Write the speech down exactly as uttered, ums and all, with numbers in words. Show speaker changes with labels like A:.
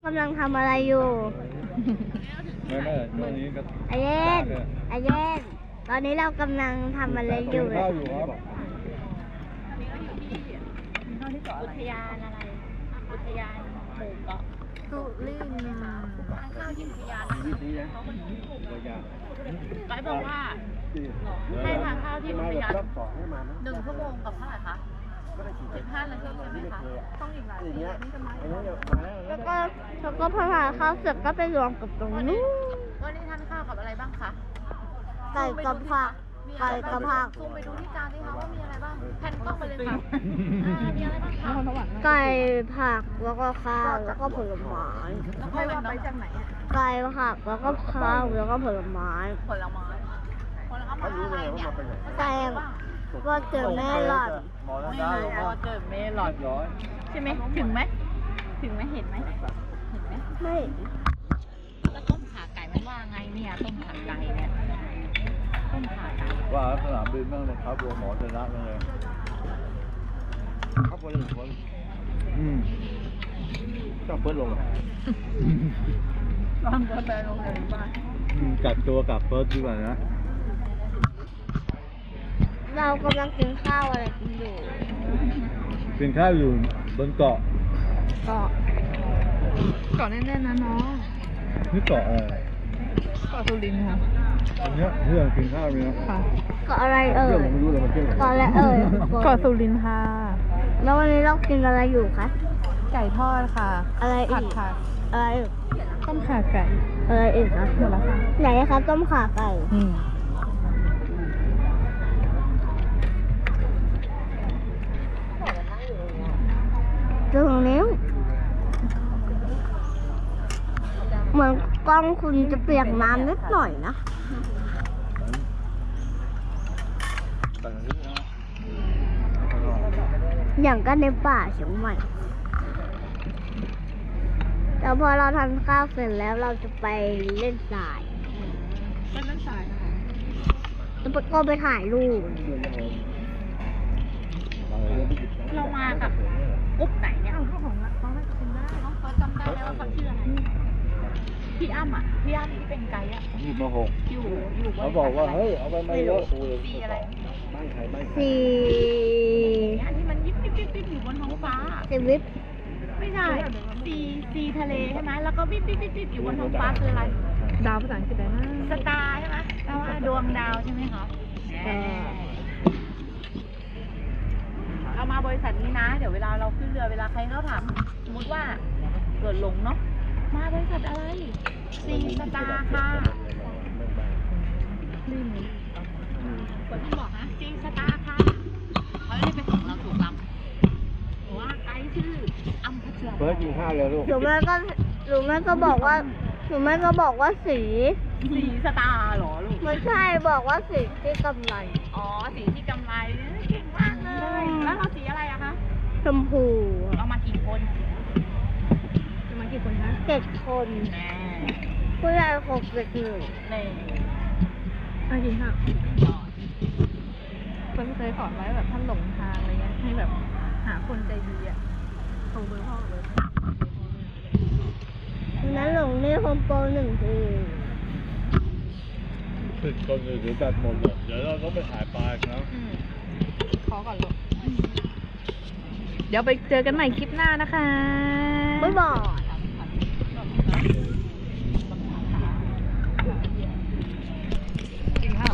A: ำลังทำอะไรอยู่
B: ไม่ไม่ตอนนี้ก็
A: ไอเย็นไอเย็นตอนนี้เรากำลังทำอะไรอยู่เลย
B: ข้าวอยู่ครับ
C: อุทยานอะไร อุทยานหมู่เกาะ
A: สุรินทร์
C: ทานข้าวที่อุทยาน
B: วิธีนะระยะ
C: ไกด์บอกว่าให้ทานข้าวที่อุทยานหนึ่งชั่วโมงกับเท่าไหร่คะสิบห้านาทีใช่ไหมคะต้องอีกหลายทีนี่จะมา
A: แล้วก็แล้วก็พอทานข้าวเสร็จก็ไปรวมกับตรงนู้น
C: วันนี้ทานข้าวกับอะไรบ้างคะ
A: ไก่กับผักไก่กับผัก
C: ซูมไปดูที่จานสิคะว่ามีอะไรบ้างแผ่นกล้องไปเลยค่ะมีอะไรบ้างคะ
A: ไก่ผักแล้วก็ข้าวแล้วก็ผลไม้
C: แล้วก็ว่าไปจากไหนอะ
A: ไก่ผักแล้วก็ข้าวแล้วก็ผลไม้
C: ผลไม้ผลไม้อะไรเนี่ย
A: แตงก็เจอแม่หลอด
B: หมอแล้ว
C: ไม่
B: ได้
C: รู้ว่าเกิดเมลอด
B: ร้อย
C: ใช่ไหมถึงไหมถึงไหมเห็นไหมเห็นไหม
A: ไม่
C: แล้วต้มขาไก่มันว่าไงเนี่ยต้มขาไก่เนี่ยต้มขาไก่
B: ว่าสนามบินบ้างเลยครับรวมหมอชนะบ้างเลยครับคนหนึ่งคนอืมต้องเพิ่มลง
C: ลองกาแฟลงเลยบ้าง
B: กัดตัวกับเฟิร์สดีกว่านะ
A: เรากำลังกินข้าวอะไรกันอยู่
B: กินข้าวอยู่บนเกาะ
C: เกาะเกาะแน่ๆนะน้อง
B: นี่เกาะอะไร
C: เกาะสุรินทร์ค่ะ
B: อันเนี้ยเพื่อนกินข้าวมีนะ
C: ค่ะ
A: ก็อะไรเอ่
B: เพื่อย นผมไม่รู้เลยมันเที่ยว
A: ก็อะไรเอ่ย
C: เกาะสุรินทร์ค่ะ
A: แล้ววันนี้เรากินอะไรอยู่คะ
C: ไก่ทอดค่ะ
A: อะไรอี
C: ผัด
A: ก
C: ค่ะ
A: อะไรอีก
C: ต้มขาไก่
A: อะไรอีกคะ
C: หมดแล้วค่ะ
A: ไหนคะต้มข่าไก่
C: อืม
A: ตรงนี้เหมือนกล้องคุณจะเปียกน้ำนิดหน่อยนะ
B: แต่อันนี้นะ
A: อย่างก็ในป่าเชียงใหม่แต่พอเราทานข้าวเสร็จแล้วเราจะไปเล่นทราย
C: เป็นน้ำใส
A: แล้วก็ไปถ่ายรูป
C: เรามากับกรุ๊ปไหนเนี่ยเอาของเขาให้กินได้น้องเฟิร์สจำได้ไหมว่าเขาชื่ออะไรพี่อ้ำอ่ะพี่อ้ำที่เป็นไกด์อ่ะ
B: ยี่มาหก
C: อยู่อยู่บน
B: เขาบอกว่าเฮ้ยเอาไปไม่เยอะ
C: สีอะไร
B: ไม่ใครไม่ใคร
A: สี่
C: เนี่ยที่มันยิบยิบยิบยิบอยู่บนท้องฟ้า
A: ชีวิต
C: ไม่ใช่ซีซีทะเลใช่ไหมแล้วก็วิบวิบวิบวิบอยู่บนท้องฟ้าคืออะไร
D: ดาวภาษาอังกฤษได้นะ
C: สตาร์ใช่ไหมแปลว่าดวงดาวใช่ไหมคะเรามาบริษัทนี้นะ เดี๋ยวเวลาเราขึ้นเรือเวลาใครเขาถามสมมติว่าเกิดหลงเนาะมาบริษัทอะไรซีสตาร์ค่ะคนที่บอกนะซีสตาร์ค่ะเขาจะได้ไปส่งเราถูกลำหรือว่าไกด์ชื่ออัมพัชรา
B: เฟิร์สกินข้าวเลยลูก
A: หรือไม่ก็หรือไม่ก็บอกว่าหรือไม่ก็บอกว่าสี
C: สีสตาร์เหรอลูก
A: ไม่ใช่บอกว่าสีที่กำไร
C: อ๋อสีที่กำไรเก่งมากเลย แล้วเราสีอะไรอะคะ
A: ชมพู
C: เรามากี่คน
D: จะมากี่คนคะ
A: เจ็ดคน
C: แน่
A: ผู้ใหญ่หกเด็กหนึ่ง
C: ใน
D: มากินข้าว
C: ยอด
D: เพิ่นเคยสอนไว้แบบท่านหลงทางอะไรเงี้ย ให้แบบหาคนใจดีอ่ะส่งเบอร์พ่อเบอร์
A: วันนั้นหลงนี่โฮมโปรหนึ่งที
B: ติดคนอื่นเดี๋ยวจัดหมดเลยเดี๋ยวเราต้องไปถ่ายปลาอีกนะ
C: อืม
D: ขอก่อนลูกเดี๋ยวไปเจอกันใหม่คลิปหน้านะคะ
A: บ๊ายบาย